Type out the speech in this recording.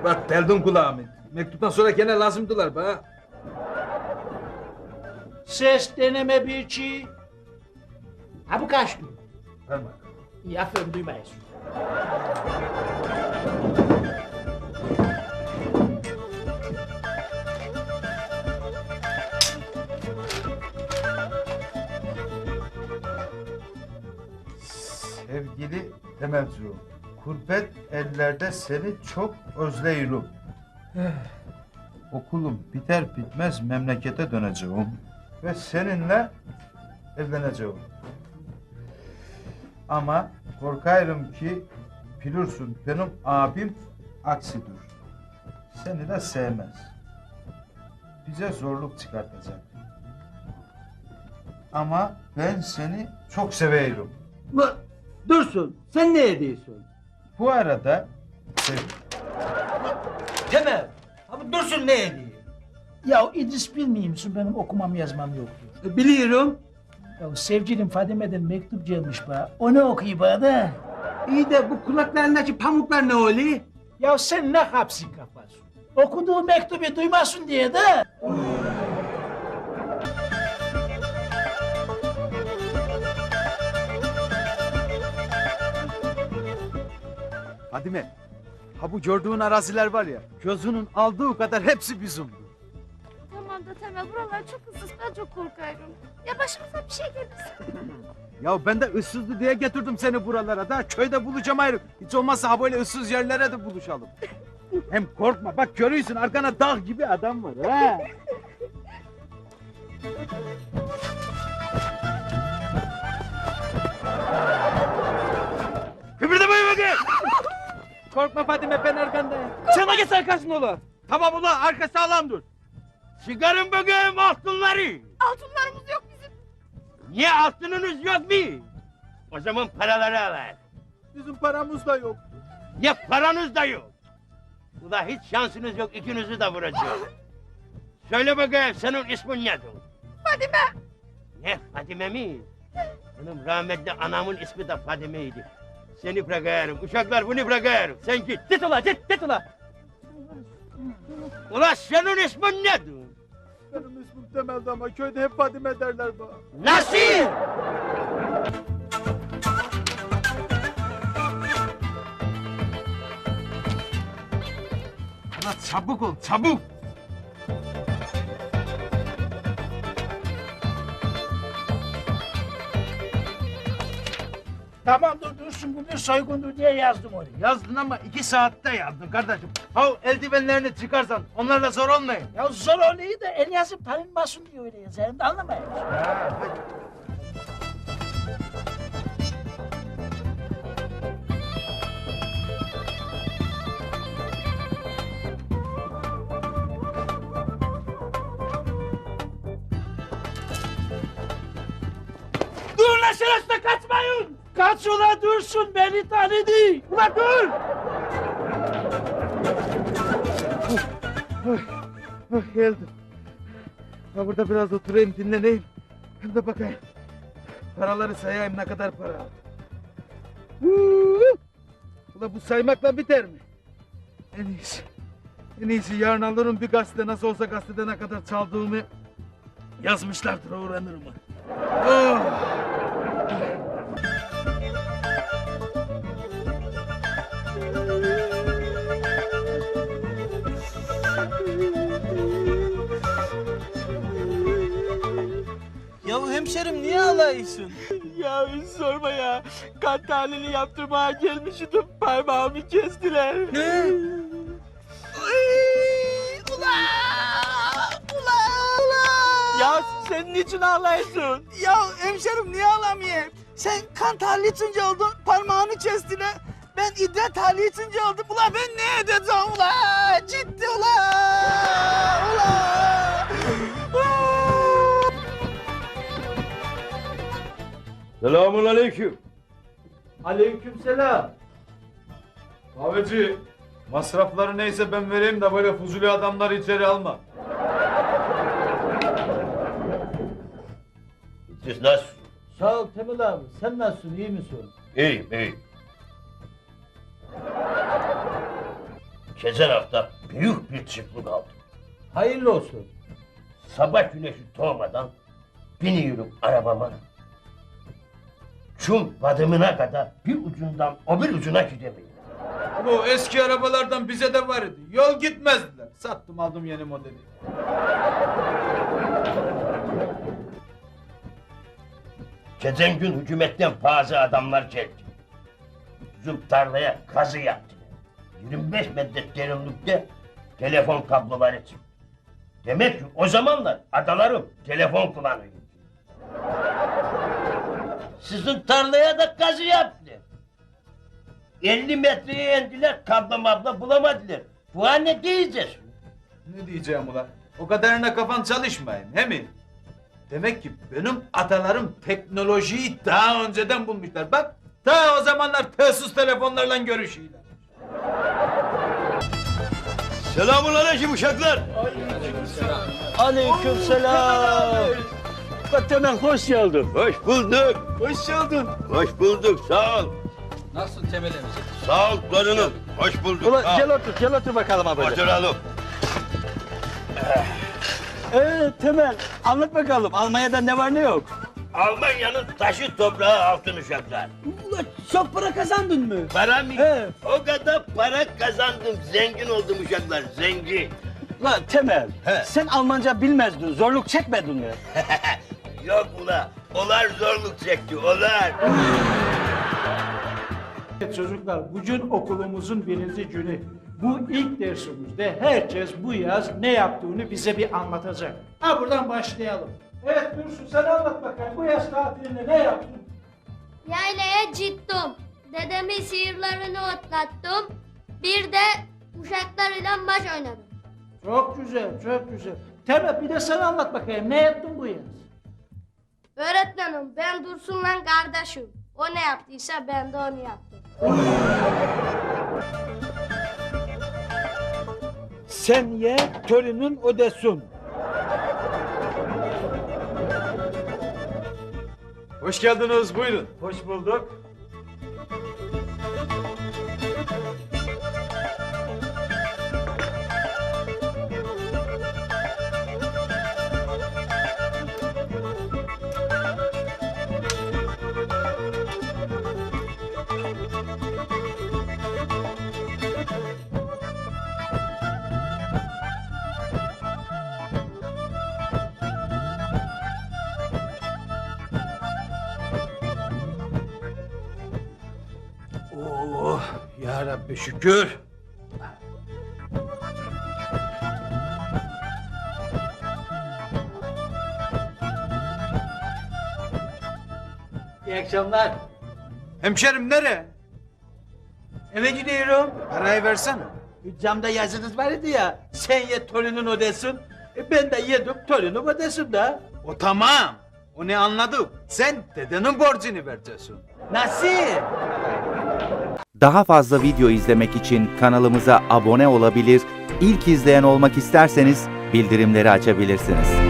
Bak deldin kulağımı. Mektuptan sonra gene lazımdılar bana. Ses deneme bir çi. Ha bu kaçtı. Verme. İyi aferin duymayız. Sevgili Temelciğim, kurbet ellerde seni çok özleyirim. Okulum biter bitmez memlekete döneceğim ve seninle evleneceğim. Ama korkarım ki bilirsin benim abim aksidir. Seni de sevmez. Bize zorluk çıkartacak. Ama ben seni çok severim. Dursun, sen ne ediyorsun? Bu arada Temel, abi Dursun ne ediyor? Ya İdris bilmiyor musun benim okumam yazmam yoktur. Biliyorum. Ya sevgilim Fadime'den mektup gelmiş bana. O ne okuyor bana da? İyi de bu kulaklarındaki pamuklar ne oluyor? Ya sen ne hapsin kafası? Okuduğu mektubu duymasın diye de. Fadime, ha bu gördüğün araziler var ya, gözünün aldığı kadar hepsi bizimdi. Tamam da Temel buralar çok ıssız ben çok korkarım. Ya başımıza bir şey gelirse. Ya ben de ıssızdı diye getirdim seni buralara da köyde bulacağım ayrı. Hiç olmazsa ha böyle ıssız yerlere de buluşalım. Hem korkma bak görüyorsun arkana dağ gibi adam var ha. Kıpırdamayın bakayım. Korkma Fadime ben arkandayım. Sana git arkasın ola. Tamam ulan arka sağlam dur. Çıkarın bakayım altınları. Altınlarımız yok bizim. Niye altınınız yok mu? O zaman paraları alır. Bizim paramız da yok. Ya paranız da yok. Ula hiç şansınız yok ikinizi de vuracağım. Söyle bakayım senin ismin nedir? Fadime. Ne Fadime mi? Benim rahmetli anamın ismi de Fadime'ydi. Seni bırakıyorum uşaklar bunu bırakıyorum. Sen git. Git ula git ula. Ula senin ismin nedir? Benim ismim Temel'di ama köyde hep Fadime derler bana. Nasıl? Ulan çabuk ol çabuk. Tamam dur Dursun bu bir soygundur diye yazdım onu. Yazdın ama 2 saatte yazdın kardeşim. Ha eldivenlerini çıkarsan onlarla zor olmayın. Ya zor oluyor da el yazıp tanınmasın diye öyle yazarım da anlamayın. Dur lan şerefsiz kaçmayın. Kaç ula Dursun beni tanıdı. Ulan dur. Geldim. Ha burada biraz oturayım dinleneyim. Hem de bakayım. Paraları sayayım ne kadar para aldım. Ulan bu saymakla biter mi? En iyisi. En iyisi yarın alırım bir gazete nasıl olsa gazetede ne kadar çaldığımı yazmışlardır öğrenirim. Oh! Ya hemşerim niye ağlıyorsun? Ya sorma ya. Kan tahlili yaptırmaya gelmiştim. Parmağımı kestiler. Ne? Ula! Ya sen niçin ağlıyorsun? Ya hemşerim niye ağlamayayım? Sen kan tahlili için oldun, parmağını kestiler. Ben idrar tahlili için oldum. Ula ben ne edeceğim ula? Ciddi ula! Selamun aleyküm. Aleykümselam. kahveci masrafları neyse ben vereyim de böyle fuzuli adamları içeri alma. Siz nasılsınız? Sağ ol Temel abi. Sen nasılsın? İyi misin? İyiyim, iyiyim. Geçen hafta büyük bir çıklık aldım. Hayırlı olsun. Sabah güneşi doğmadan biniyorum arabama. Çum badımına kadar bir ucundan o bir ucuna gidemiyorum. Bu eski arabalardan bize de var idi. Yol gitmezdiler. Sattım aldım yeni modeli. Geçen gün hükümetten bazı adamlar geldi. Bizim tarlaya kazı yaptılar. 25 metre derinlikte telefon kabloları çıktı. Demek ki o zamanlar adalarım telefon kullanıyor. Sizin tarlaya da kazı yaptılar. 50 metreye indiler, kablo mablo bulamadılar. Bu an ne diyeceğiz? Ne diyeceğim ulan? O kadarına kafan çalışmayın, he mi? Demek ki benim atalarım teknolojiyi daha önceden bulmuşlar. Bak, ta o zamanlar telsız telefonlarla görüşüyorlar. Selamun aleyküm uşaklar. Aleykümselam. Temel hoş geldin. Hoş bulduk. Hoş geldin. Hoş bulduk, sağ ol. Nasılsın Temel emci? Sağ ol torunum. Hoş bulduk. Ulan sağ ol. gel otur bakalım abi. Oturalım. Temel anlat bakalım Almanya'da ne var ne yok? Almanya'nın taşı toprağı altın uşaklar. Ulan çok para kazandın mı? Para mı? He. O kadar para kazandım. Zengin oldum uşaklar, zengin. Ulan Temel He. sen Almanca bilmezdin zorluk çekmedin mi? Yok ula, olar zorluk çekti, olar. Çocuklar bugün okulumuzun birinci günü. Bu ilk dersimizde herkes bu yaz ne yaptığını bize bir anlatacak. Ha buradan başlayalım. Evet Dursun sen anlat bakalım bu yaz tatilinde ne yaptın? Yaylaya gittim. Dedemin sihirlerini otlattım. Bir de uşaklarıyla maç oynadım. Çok güzel çok güzel. Temel bir de sen anlat bakayım ne yaptın bu yaz? Öğretmenim ben Dursun'la kardeşim. O ne yaptıysa ben de onu yaptım. Sen ye törünün ödesin. Hoş geldiniz, buyurun. Hoş bulduk. Oh ya Rabbi şükür. İyi akşamlar. Hemşerim nereye? Eve gidiyorum. Parayı versene. Camda yazınız vardı ya. Sen ye torunun ödesin. Ben de yedim torunum ödesin de. O tamam. O ne anladık? Sen dedenin borcunu vereceksin. Nasıl? Daha fazla video izlemek için kanalımıza abone olabilir, ilk izleyen olmak isterseniz bildirimleri açabilirsiniz.